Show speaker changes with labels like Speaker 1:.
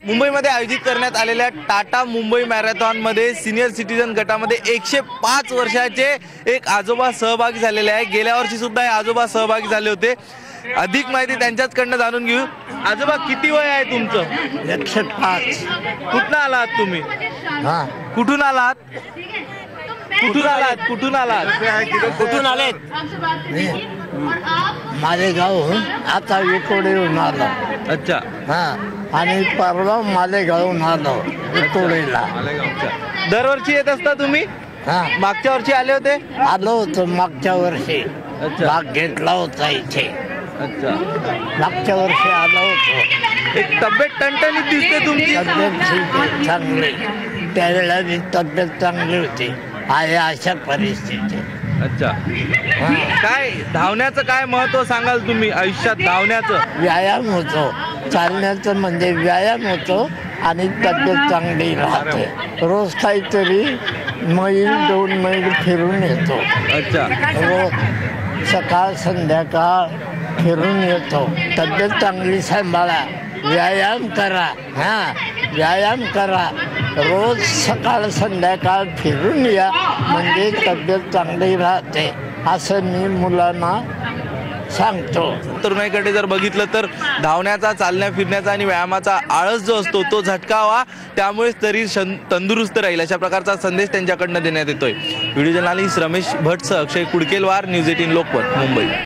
Speaker 1: मुंबईमध्ये आयोजित करण्यात आलेल्या टाटा मुंबई मॅरेथॉनमध्ये सिनियर सिटीजन गटामध्ये 105 वर्षाचे एक आजोबा सहभागी झालेले आहे। गेल्या वर्षी सुद्धा हे आजोबा सहभागी झाले होते। अधिक माहिती त्यांच्याचकडनं जाणून घेऊ। आजोबा किती वय आहे तुमचं?
Speaker 2: 105।
Speaker 1: कुठून आलात तुम्ही?
Speaker 2: हां,
Speaker 1: कुठून आलात? कुठून आलात? कुठून आलात?
Speaker 3: कुठून आलेत?
Speaker 2: मालेगावहून आता विकोडीहून आलो।
Speaker 1: अच्छा,
Speaker 2: हां, आणि परवा मालेगावहून आलो विकोडीला।
Speaker 1: दरवर्षी येत असता तुम्ही?
Speaker 2: हां,
Speaker 1: मागच्या वर्षी आले होते?
Speaker 2: आलो होतो मागच्या वर्षी।
Speaker 1: अच्छा.
Speaker 2: भाग घेतला होता इथे।
Speaker 1: अच्छा,
Speaker 2: मागच्या वर्षी आलो होतो।
Speaker 1: एक तब्येत टणटणीत दिसते तुमची।
Speaker 2: तब्येत ठीक आहे, चांगली। त्यावेळेला मी तब्येत चांगली होती, आहे अशा परिस्थिती।
Speaker 1: अच्छा,
Speaker 2: हां,
Speaker 1: काय धावण्याचं काय महत्व सांगाल तुम्ही आयुष्यात धावण्याचं?
Speaker 2: व्यायाम होतो, चालण्याचं म्हणजे व्यायाम होतो आणि तब्येत चांगली राहते। रोज काहीतरी मैल 2 मैल फिरून येतो।
Speaker 1: अच्छा,
Speaker 2: रोज सकाळ संध्याकाळ फिरून येतो। तब्येत चांगली सांभाळा, व्यायाम करा। हां, व्यायाम करा, रोज सकाळ संध्याकाळ फिरून या, म्हणजे तब्येत चांगली राहते, असं मी मुलांना सांगतो।
Speaker 1: तरुणाईकडे जर बघितलं तर धावण्याचा, चालण्या फिरण्याचा आणि व्यायामाचा आळस जो असतो तो झटकावा, त्यामुळे शरीर तंदुरुस्त राहील, अशा प्रकारचा संदेश त्यांच्याकडनं देण्यात येतोय। व्हिडिओ जर्नलिस्ट रमेश भट्टसह अक्षय कुडकेलवार, न्यूज 18 लोकमत, मुंबई।